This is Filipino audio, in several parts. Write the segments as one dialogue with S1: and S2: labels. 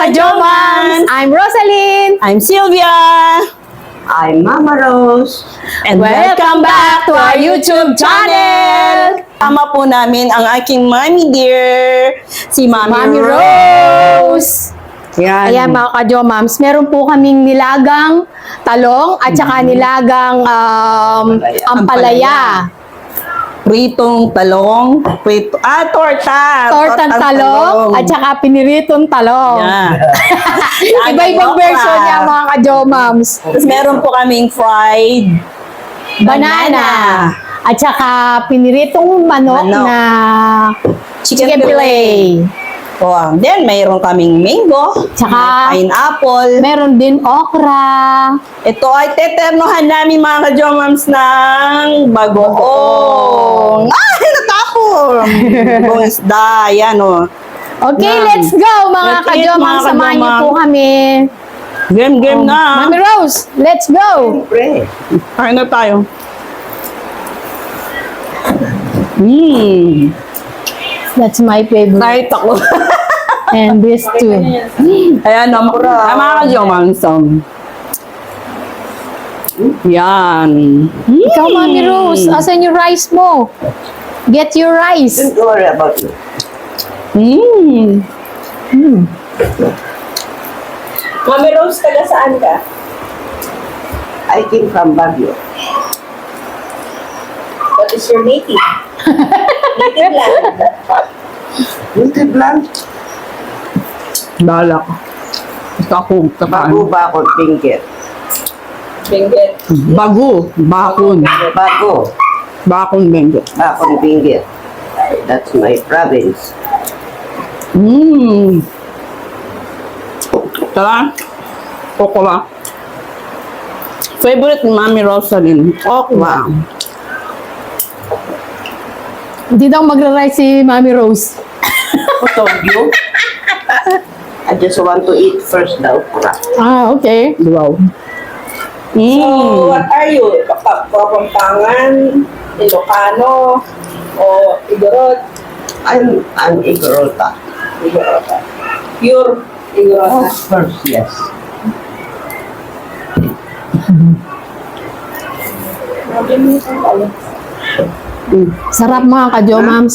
S1: ka-Jomans! I'm Rosaline!
S2: I'm Sylvia!
S3: I'm Mama Rose.
S2: And
S1: Welcome back to our YouTube channel!
S2: Tama po namin ang aking mommy dear, si Mami Rose.
S1: Rose!
S2: Yan.
S1: Ayan mga ka-Jomams, meron po kaming nilagang talong at saka nilagang ampalaya.
S2: Pritong talong. Torta.
S1: Tortang talong at saka piniritong talong.
S2: Yeah.
S1: Iba-ibang version niya mga ka-Jomams.
S2: Tapos meron po kaming fried
S1: Banana. At saka piniritong manok
S2: Manok.
S1: na
S2: Chicken
S1: fillet.
S2: Oh, then mayroon kaming mango,
S1: Tsaka-
S2: may pineapple.
S1: Meron din okra.
S2: Ito ay teternohan namin mga ka-Jomams ng bagoong. Ay, natapon! Bagoong isda, yan o.
S1: Okay,
S2: Yan.
S1: let's go mga
S2: Let's eat,
S1: ka-Jomams.
S2: mga
S1: Samahan niyo
S2: ka-Jomams.
S1: po kami.
S2: Game na.
S1: Mami Rose, let's go!
S3: Pre.
S2: Kain na tayo.
S1: That's my favorite.
S2: Kahit ako.
S1: And this too.
S2: Ayan, mga ka-Jomams. Yan.
S1: Ikaw, Mami Rose, asan yung rice mo? Get your rice.
S3: Don't worry about it.
S2: Mami Rose, taga saan ka?
S3: I came from Baguio.
S2: What is your native? Native land.
S3: Native land.
S2: Balak. Basta ako,
S3: Bago ba ako Benguet?
S2: Benguet. Bago. Bakon.
S3: Bago.
S2: Bakon Benguet.
S3: Bakon Benguet. That's my province.
S2: Tara. Okra. Favorite ni Mami Rosaline. Okra.
S1: Hindi daw magra-rice si Mami Rose.
S3: Who told you? I just want to eat first the okra.
S1: Ah, okay.
S2: Wow.
S4: So, what are you? Kapampangan, Ilocano, o Igorot?
S3: I'm an Igorota.
S4: Igorota. Pure Igorota.
S3: Of course, yes.
S1: Sarap mga ka-Jomams.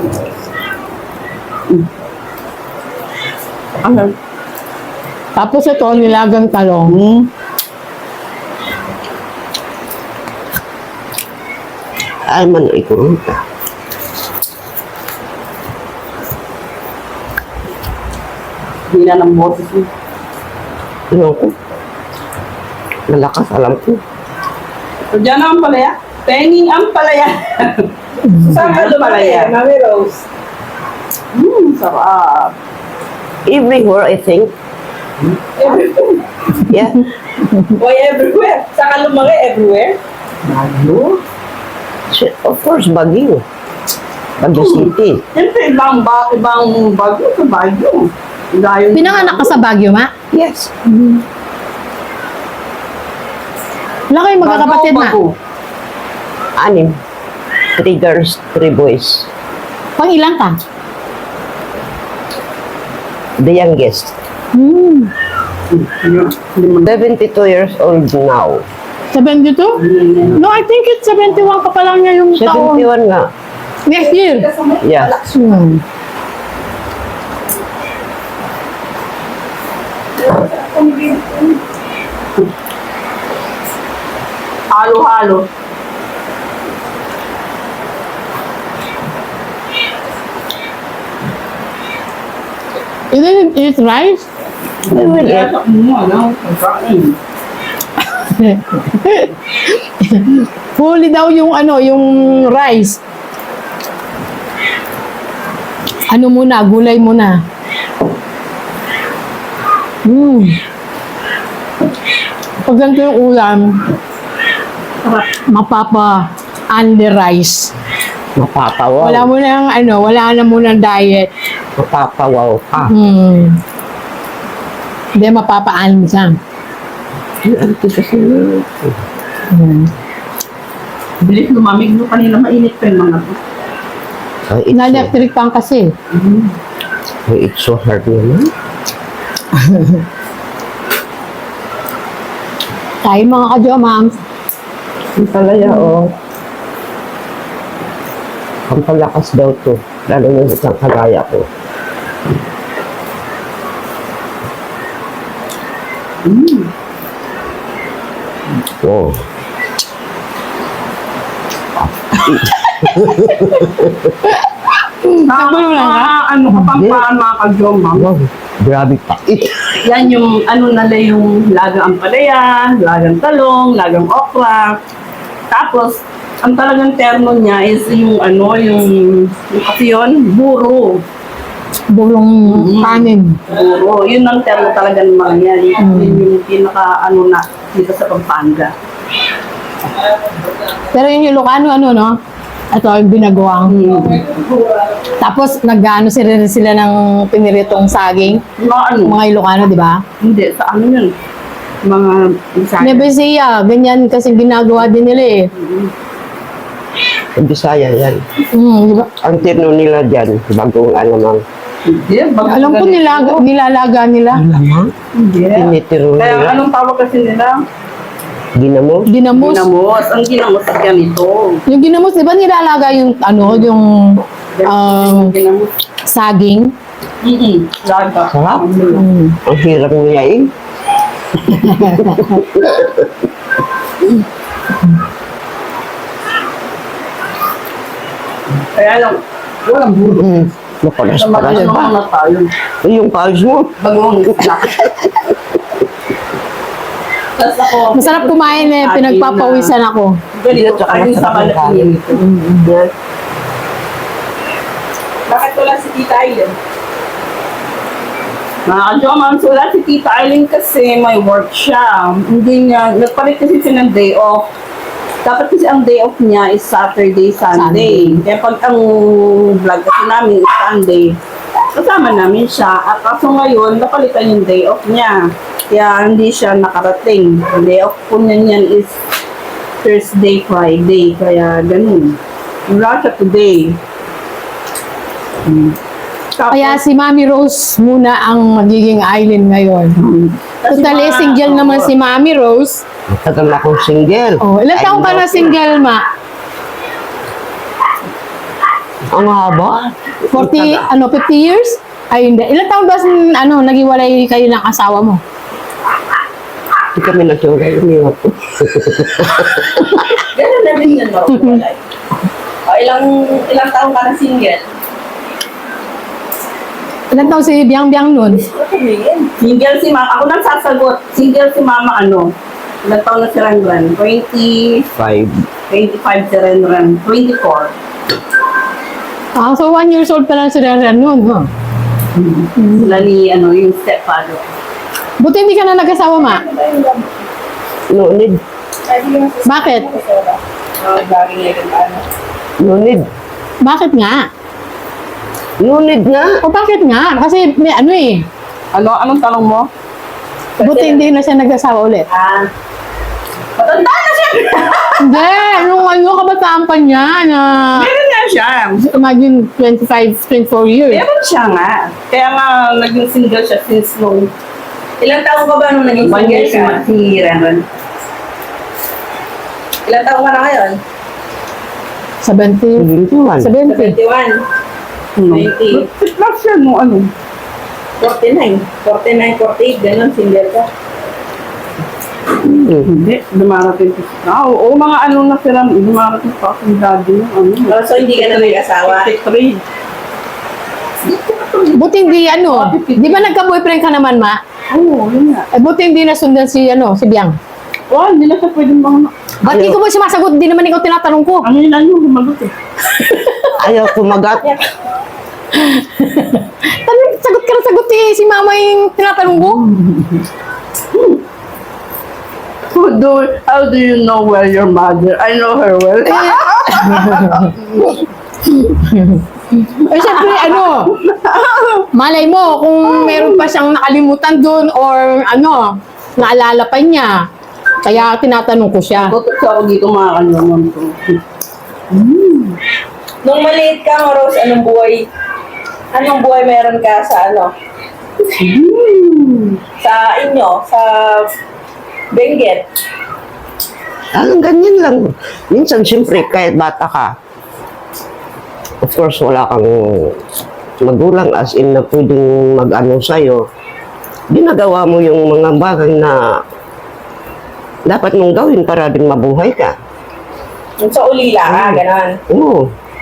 S2: Ano?
S1: Tapos ito, nilagang talong.
S3: I'm an Igorota.
S2: Hindi na ng boses mo.
S3: Ano ko? Malakas alam ko.
S2: So, dyan ang palaya. Penging ang palaya.
S4: Saan ka lumaki, Mami Rose?
S2: Sarap.
S3: Everywhere, I think.
S4: Everywhere.
S3: Yeah.
S4: Why everywhere? Saan ka lumaki? Everywhere?
S2: Bago.
S3: Of course, Baguio. Baguio City.
S2: Siyempre, ibang bagyo sa bagyo. Dahil
S1: Pinanganak ka sa Baguio, ma?
S3: Yes.
S1: Wala kayong magkakapatid, ma?
S3: Anim. 3 girls, 3 boys.
S1: Pang ilang ka?
S3: The youngest. 72 years old now.
S1: 72? No, I think it's 71 ka pa lang niya yung taon.
S3: 71 nga.
S1: Next year.
S3: Yeah.
S2: Halo-halo.
S1: You didn't eat rice?
S3: We will eat.
S1: Huli daw yung yung rice. Ano muna, gulay muna. Pag ganito yung ulam, mapapa only rice.
S3: Mapapawaw.
S1: Wala mo nang wala na muna diet.
S3: Mapapawaw ka.
S1: Hindi mapapa-only siya.
S2: Bilis lumamig no kanina mainit pa yung mga to.
S3: It's
S1: Na-electric pan kasi.
S3: so hard naman.
S1: Kain mga ka-jomams.
S3: Ang palaya, oh. Ang palakas daw to. Lalo yung isang kagaya ko. Oh.
S2: Ano ka pang paan mga ka-jomams?
S3: Wow, grabe pait.
S2: Yan yung ano nala yung lagang ampalaya, lagang talong, lagang okra. Tapos, ang talagang termo niya is yung ano, yung kasi yun, buro.
S1: Burong kanin.
S2: Buro. Yun ang termo talaga ng mga yan. Yun yung pinaka ano na dito sa Pampanga.
S1: Pero yung Ilocano, ano, no? Ito, yung binagawang. Tapos, nag-ano sila ng piniritong saging.
S2: Mga ano?
S1: Mga Ilocano, di ba?
S2: Hindi, sa ano yun? Mga Bisaya.
S1: Nebesia, ganyan kasi ginagawa din nila eh.
S3: Ang Bisaya yan.
S1: Di ba?
S3: Ang tino nila dyan, bagong alamang.
S2: Hindi, bago
S1: Alam ko
S2: ganito.
S1: nilalaga nila.
S3: Alamang?
S2: Hindi.
S3: Tinitiro
S2: Kaya
S3: nila.
S2: anong tawag kasi nila?
S3: Ginamo?
S1: Ginamos.
S2: Ginamos. Ang ginamos is ganito.
S1: Yung ginamos, di ba nilalaga yung, ano, yung
S2: Ginamos.
S1: saging?
S2: Laga.
S3: Sarap. Ang hirap niya eh.
S2: Kaya lang, walang bulo.
S3: Mapalas-palas
S2: Naman
S3: pa.
S2: na tayo.
S3: Eh, yung pawis mo.
S2: Bagong snack. Tapos ako,
S1: Masarap kumain eh, pinagpapawisan ako.
S2: ganito, ayun sa Malacanang.
S3: Yes.
S4: Bakit wala si Tita Aileen?
S2: Mga ka-jomams, wala si Tita Aileen kasi may work siya. Hindi niya, nagpalit kasi siya ng day off. Dapat kasi ang day off niya is Saturday, Sunday. Kaya pag ang vlog kasi namin is Sunday, kasama namin siya. At kaso ngayon, napalitan yung day off niya. Kaya hindi siya nakarating. Ang day off po niya niyan is Thursday, Friday. Kaya ganun. Wala siya today. Tapos,
S1: Kaya si Mami Rose muna ang magiging island ngayon.
S2: kasi
S1: Totally
S2: mga-
S1: single naman si Mami Rose.
S3: Matagal akong single.
S1: Oh, ilan taong ka na single, Ma?
S3: Ang haba.
S1: 40, 50 years? Ay, hindi. Ilan taon ba, naghiwalay kayo ng asawa mo?
S3: Hindi kami nagsuray. Umiwag ko.
S4: Ganun na rin yun, Marupalay. O, ilang taong ka na single?
S1: Ilan taon si Biang Biang nun?
S4: Ano sabihin?
S2: Single si Mama. Ako nang sasagot. Single si Mama ano? Ilang taon na si Ranran? 25 si Ranran. 24.
S1: Ah, so 1 years old pa lang si Reren nun, ha?
S2: Sila ni yung stepfather.
S1: Buti hindi ka na nag-asawa, Ma.
S3: No need.
S1: Bakit?
S4: Lagi niya yung ano.
S3: No need.
S1: Bakit nga?
S3: No need nga.
S1: O bakit nga? Kasi may ano eh.
S2: Anong tanong mo?
S1: Buti hindi na siya nag-asawa ulit.
S2: Matanda na siya!
S1: Hindi, nung kabataan pa niya na
S2: Meron nga siya.
S1: imagine 25, 24 years.
S2: Meron siya nga. Kaya nga naging single siya since nung
S4: Ilang taong ka ba nung naging
S2: 1 year
S4: single ka?
S2: si Ranran.
S4: Ilang taong ka na ngayon?
S1: 70.
S3: 71.
S1: 70.
S4: 71. 20.
S2: Last year nung
S4: 49. 49, 48. Ganon, single ka.
S2: Hindi, dumarating ko. Oo, mga na sila, dumarating pa akong daddy ng
S4: Oh, so hindi ka na nag-asawa?
S2: 53.
S1: Buti hindi di ba nagka-boyfriend ka naman, Ma?
S2: Oo, yun nga.
S1: Eh, buti hindi nasundan si Biang.
S2: Wow, hindi na siya pwedeng mga...
S1: Ba't di ko ba sumasagot? Di naman ikaw tinatanong ko.
S2: Ano yun lang yung gumagot eh.
S3: Ayaw kumagat.
S1: Sagot ka na sagot eh. Si Mama yung tinatanong ko.
S2: How do you know well your mother? I know her well.
S1: Eh, syempre, malay mo, kung meron pa siyang nakalimutan doon or naalala pa niya. Kaya tinatanong ko siya.
S2: Tutok siya ako dito mga kanyaman ko.
S4: Nung maliit ka, Rose, anong buhay meron ka sa Sa inyo, sa Benguet.
S3: Ganyan lang. Minsan, siyempre, kahit bata ka, of course, wala kang magulang as in na pwedeng mag-ano sa'yo. Ginagawa mo yung mga bagay na dapat mong gawin para din mabuhay ka.
S4: Yung sa ulila ka, gano'n.
S3: Oo,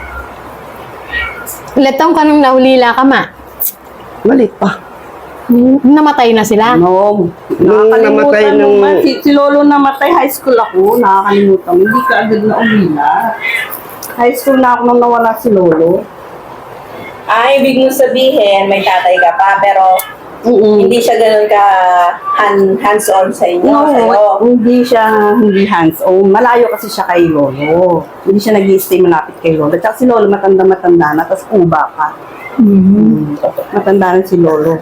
S1: Ilan taong ka nung naulila ka, ma?
S3: malit pa.
S1: Namatay na sila.
S2: No.
S3: Nung namatay
S2: Nakakalimutan
S3: nung-
S2: mo. Si Lolo namatay, high school ako. Nakakalimutan. Hindi ka agad na umila. High school na ako nung nawala si Lolo.
S4: Ibig mo sabihin, may tatay ka pa, pero hindi siya gano'n ka hands-on sa inyo, sa'yo.
S2: No, hindi hands-on. Malayo kasi siya kay Lolo. Hindi siya nag-i-stay malapit kay Lolo. Tsaka si Lolo matanda-matanda na, tapos kuba ka. Matanda na si Lolo.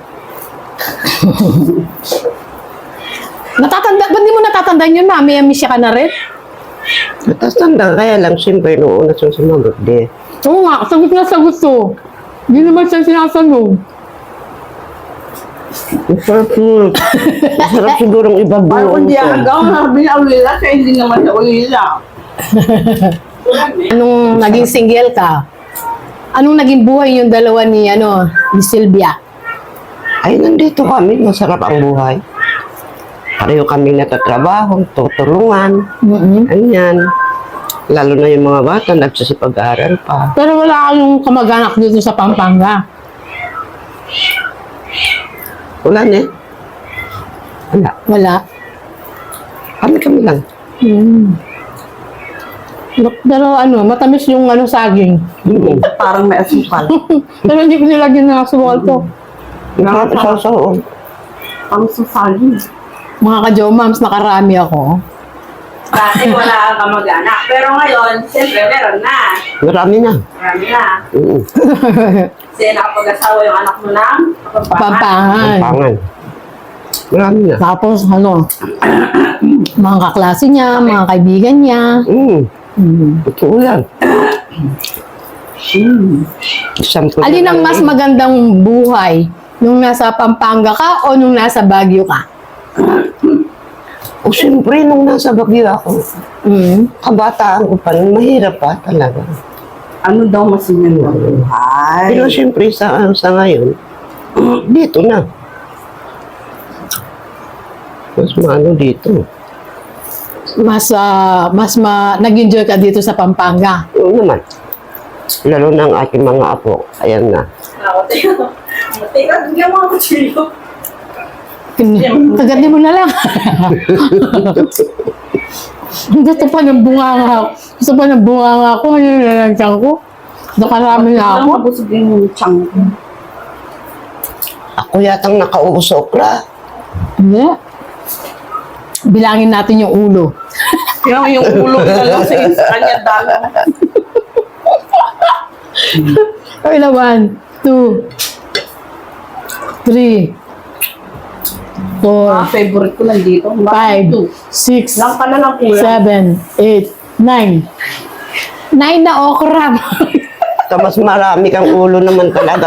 S1: Ba't di mo natatandaan yun, ma? May amnesia ka na rin?
S3: Tapos tanda, kaya lang, siyempre, noong una siyang sumagot, di.
S1: Oo nga, sagot na sagot to. Hindi naman siya sinasagot.
S3: Masarap sigurong
S2: Parang
S3: ibabaw
S2: kung di
S3: ito.
S2: hanggang sabi na ulila, kaya hindi naman siya ulila.
S1: Anong naging single ka? Anong naging buhay yung dalawa ni Sylvia?
S3: Ay, nandito kami, masarap ang buhay. Pareho kami natatrabaho, tutulungan, ganyan. Lalo na yung mga bata, nagsasipag-aaral pa.
S1: Pero wala kayong kamag-anak dito sa Pampanga.
S3: Wala na eh. Wala.
S1: Wala.
S3: Kami lang.
S1: Pero matamis yung saging.
S2: Parang may asukal.
S1: Pero hindi ko nilagyan ng asukal to.
S3: Nakakasasaw.
S2: Parang susagin.
S1: Mga ka-jomams, nakarami ako.
S4: Dati wala kang kamag-anak. Pero ngayon, siyempre, meron na.
S3: Marami na.
S4: Marami na.
S3: Mm.
S4: Kasi nakapag-asawa yung anak mo ng kapampangan.
S1: Pampangan.
S3: Pangan. Marami na.
S1: Tapos mga kaklase niya, mga kaibigan niya.
S3: Totoo yan. Sample
S1: Alin
S3: na
S1: ang
S3: lang
S1: mas
S3: eh.
S1: magandang buhay? Nung nasa Pampanga ka o nung nasa Baguio ka?
S3: O siyempre, nung nasa Baguio ako, kabataan ko pa, nung mahirap pa talaga.
S2: Ano daw mas magandang buhay?
S3: Pero siyempre, sa ngayon, dito na. Mas maano dito.
S1: Nag-enjoy ka dito sa Pampanga.
S3: Oo naman. Lalo na ang ating mga apo. Ayan na.
S4: Ako, teka, bigyan mo ako chilo.
S1: Kagad mo na lang. Gusto pa ng bunganga. Gusto pa ng bunganga ko. Ano yung lalagyan ko? Nakarami na
S2: Parang
S1: ako.
S2: mabusog yung chang ko.
S3: Ako yatang nakausokra.
S1: Hindi. Bilangin natin yung ulo.
S2: Kaya yung ulo na lang sa kanya dami.
S1: Okay na, 1, 2, 3, 4,
S2: Favorite ko lang dito.
S1: 5, 6,
S2: Lang ka na lang kuya.
S1: 7, 8, 9. 9 na okra.
S3: Mas marami kang ulo naman talaga.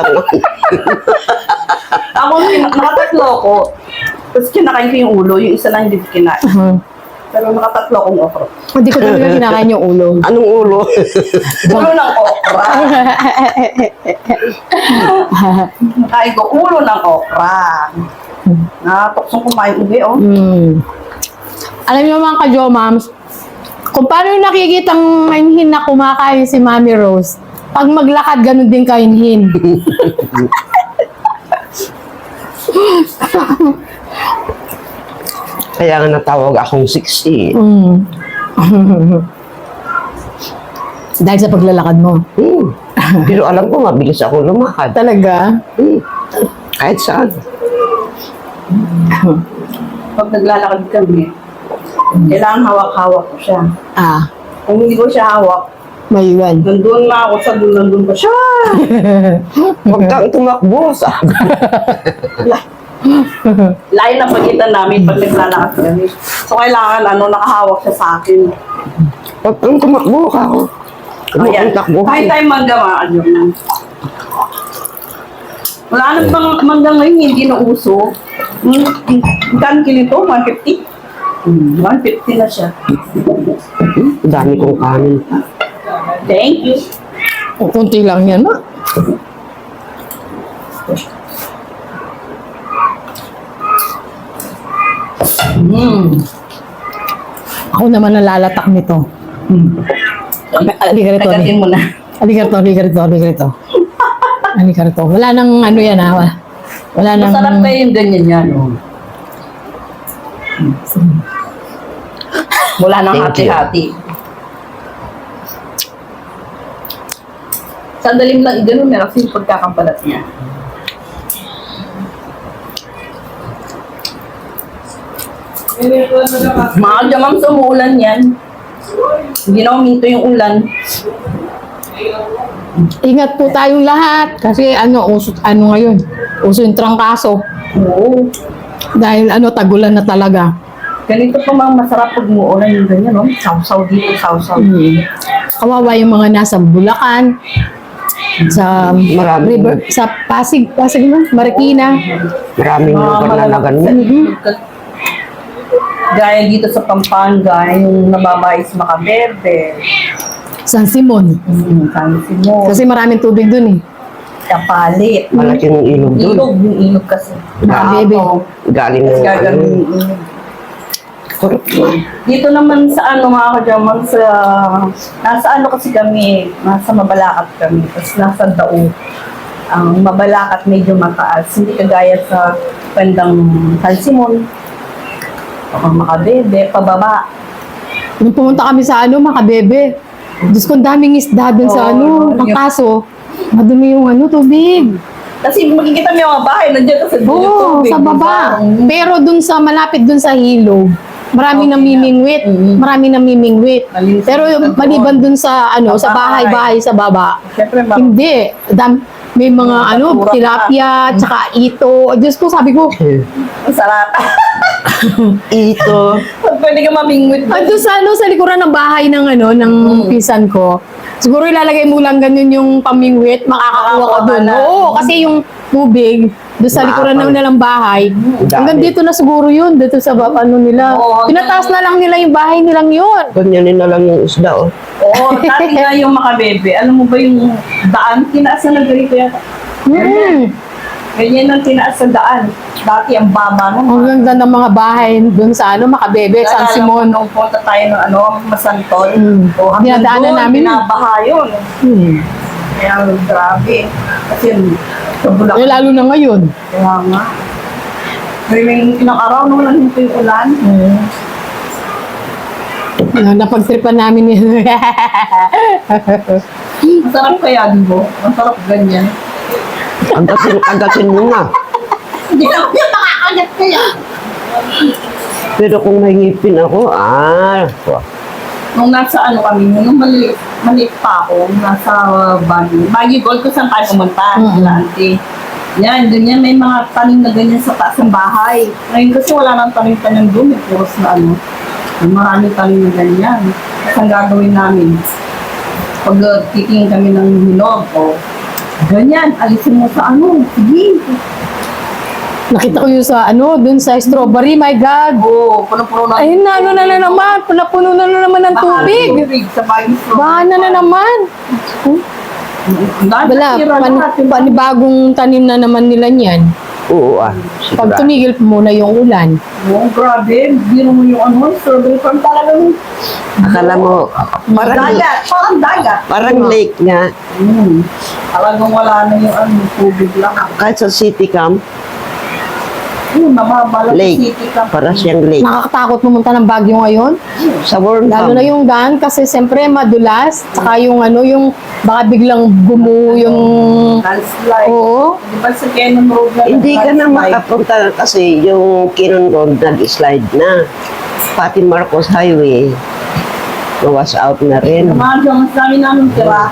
S2: Ako, nakatatlo ko. Tapos kinakain ko yung ulo. Yung isa lang hindi ko kinain. Pero nakatatlo akong okra.
S1: Hindi ko talaga kinakain yung ulo.
S3: Anong ulo?
S2: Ulo ng okra. Nakain ko ulo ng okra. Nakatoksong kumain ubi, oh.
S1: Alam niyo mga ka-jomams, kung paano yung nakikitang mainhin na kumakain si Mami Rose, pag maglakad, ganun din kainhin.
S3: Kaya nga natawag akong 60.
S1: Dahil sa paglalakad mo.
S3: Pero alam ko, mabilis akong lumakad.
S1: Talaga?
S3: Kahit saan.
S2: Pag naglalakad kami, kailangan hawak-hawak ko siya. Kung hindi ko siya hawak,
S1: Maiwan.
S2: nandun na ako sa dulo, nandun pa siya.
S3: Huwag kang tumakbo, sabi.
S2: Layo na pagitan namin pag naglalakad kami. So, kailangan, nakahawak siya sa akin.
S3: Huwag kang tumakbo ka. Huwag
S2: Ayan.
S3: kang takbo.
S2: Kahit tayo mangga, mga yun. Wala nang mangga ngayon, hindi na uso. Magkano kilo ito? 150? 150 na siya.
S3: Dami kong kanin.
S2: Thank you.
S1: O, kunti lang yan, ma. Ako naman nalalatak nito. Halika rito,
S2: Tagatin mo na.
S1: halika rito, halika rito, halika rito. Halika rito. Wala nang ano yan, ha? Wala nang...
S2: Masarap kayo yung ganyan yan. Oh. Wala nang
S3: Thank you.
S2: hati-hati. Sandaling lang i-ganun, meron kasi yung pagkakampalat niya. Mga jamang sa umuulan yan. Hindi na uminto yung ulan.
S1: Ingat po tayong lahat. Kasi ano ngayon, uso yung trangkaso.
S2: Oo.
S1: Dahil tagulan na talaga.
S2: Ganito pa mga masarap pag umuulan yung ganyan, no? Sausaw dito, sausaw.
S1: Kawawa yung mga nasa Bulacan, sa
S3: Marami.
S1: river, sa Pasig ba? Marikina.
S3: Maraming panlalagan mo.
S2: Gaya dito sa Pampanga, yung nababae sa Macabebe.
S1: San Simon.
S2: Kansi mo.
S1: Kasi maraming tubig dun eh.
S2: Kapalit.
S3: Malaki ng ilog doon.
S2: Yung ilog kasi.
S1: Macabebe.
S3: Galing
S2: Tapos
S3: ng
S2: gagawin
S3: ano.
S2: yung ilog.
S3: Correct.
S2: Dito naman sa mga kajaman nasa kasi kami, nasa Mabalacat kami, tapos nasa Dao. Ang Mabalacat medyo mataas, hindi kagaya sa bandang San Simon, Macabebe, pababa.
S1: Nung pumunta kami sa Macabebe, Diyos ko, ang daming isda dun sa
S2: Oo,
S1: ang kaso, madumi yung tubig.
S2: Kasi makikita mo yung mga bahay, nandiyan kasi doon yung
S1: Oo,
S2: tubig.
S1: sa baba.
S2: diba?
S1: Pero dun sa, malapit dun sa hilog, marami
S2: Okay
S1: namimingwit. Marami namimingwit.
S2: Malinis
S1: Pero
S2: na doon.
S1: maliban dun sa,
S2: Sa
S1: sa bahay-bahay sa baba,
S2: Siyempre,
S1: hindi. May mga
S2: Basura
S1: tilapia, tsaka ito. Diyos ko, sabi ko,
S2: masarap.
S3: Ito.
S2: Pwede ka mamingwit.
S1: ando sa likuran ng bahay ng ng pinsan ko. Siguro ilalagay mo lang ganun yung pamingwit, makakakuha ka dun.
S2: Makakakuha na.
S1: Oo, kasi yung tubig, doon sa likuran
S3: Maapal.
S1: ng bahay, hanggang dito na siguro yun, dito sa nila.
S2: Oo,
S1: Pinataas na lang nila yung bahay nilang yun.
S3: Ganyanin na lang yung isda, oh.
S2: Oo, dati nga yung Macabebe. Alam mo ba yung daan? Tinaas na ng ganito yata. Ganyan ang tinaas sa daan. Dati ang baba
S1: Ang
S2: naman.
S1: ganda ng mga bahay doon sa Macabebe, San Simon.
S2: Nung punta tayo ng Masantol. O,
S1: Dinadaanan namin yun.
S2: Binabaha yun. Kaya grabe. Kasi sa Bulacan.
S1: Lalo na ngayon.
S2: Kaya nga. May ilang araw nung nandito yung ulan.
S1: Napagtripan namin yun.
S2: Masarap kaya, di ba? Masarap ganyan.
S3: Agatin mo na.
S2: Hindi lang yung makakagat kaya.
S3: Pero kung may ngipin ako,
S2: Nung nasa kami, nung maliit pa ako, nasa Baguio Gold ko saan tayo pumunta, auntie. Yan, ganyan, may mga tanim na ganyan sa taas ng bahay. Ngayon kasi wala nang tanim-tanim doon, may puros na may maraming tanim na ganyan. Kasi ang gagawin namin, pag titingin kami ng hinog, ganyan, alisin mo sa sige.
S1: Nakita ko yun sa dun sa strawberry, my God.
S2: Oo, puno-puno na.
S1: Ayun na, na naman. Puno na naman ng tubig.
S2: Sa bagong
S1: Bahan na naman. Wala, panibagong tanim na naman nila niyan.
S3: oo,
S1: Pag tumigil muna yung ulan.
S2: Oo, grabe. Biro mo yung strawberry farm talagang
S3: Akala mo,
S2: dagat. Parang dagat.
S3: parang lake nga.
S2: Talagang wala na yung tubig lang.
S3: Kahit sa city camp,
S2: Mababa lang
S3: lake.
S2: city ka.
S3: Para siyang lake.
S1: Nakakatakot pumunta ng Baguio ngayon.
S3: Sa world
S1: Lalo na yung daan kasi siyempre madulas. Tsaka yung yung baka biglang gumuho yung...
S2: Landslide.
S1: Oo.
S2: Di ba sa Cannon Road na
S3: Hindi ka na
S2: landslide?
S3: makapunta kasi yung Kinon Road nag-slide na. Pati Marcos Highway, was out na rin.
S2: Mga mas dami namin tira.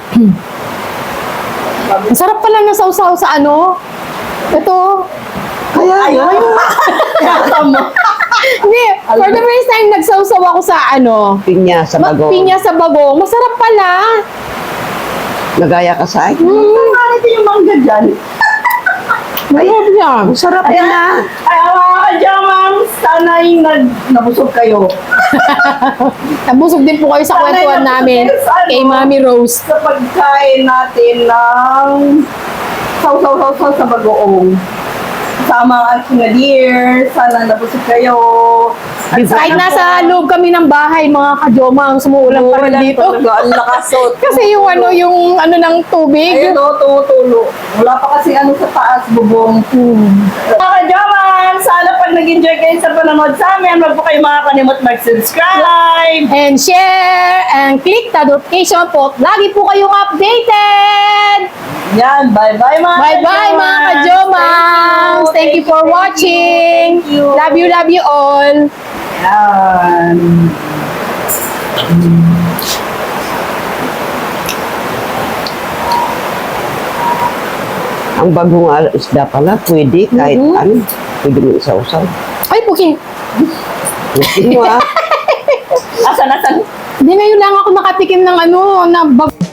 S1: Masarap pala na sausaw sa Ito.
S3: Kaya
S2: Ayun. Tama.
S1: Hindi, for the first time nagsausaw ako sa
S3: pinya sa bago.
S1: pinya sa bagong. Masarap pala.
S3: Nagaya ka sa akin.
S2: Bakit yung mangga dyan?
S1: Marami yan.
S3: Ang sarap yan ah.
S2: Ay, mga ka-jamam, sana yung nabusog kayo.
S1: Nabusog din po kayo sa
S2: Sana'y
S1: kwentuhan
S2: nabusog
S1: namin
S2: kayo sa ano?
S1: kay Mami Rose.
S2: Sa pagkain natin ng saw-saw-saw sa bagoong. Sama ang sinadier, sana nabusog kayo. At
S1: Kahit
S2: sana
S1: nasa
S2: po-
S1: loob kami ng bahay, mga kajoma, ang sumuulan pa rin
S2: Umuulan
S1: dito.
S2: talaga, ang lakasot.
S1: Kasi yung ng tubig.
S2: Ayun o, tumutulo. Wala pa kasi ano sa taas, bubong. Mga ka-jaman, sana pag nag-enjoy kayo sa panonood sa amin, wag po kayo makakalimot mag-subscribe.
S1: And share and click the notification po. Lagi po kayong updated.
S2: Yan, bye-bye mga
S1: Bye-bye mga kajomans. Thank you for watching.
S2: Thank you.
S1: Love you all.
S2: Yan.
S3: Ang bagong isda pala, pwede kahit ano. Pwede mo isa-usaw.
S1: Ay, pukin.
S3: Gusto mo ah.
S2: Asan?
S1: Hindi, ngayon lang ako nakatikim ng na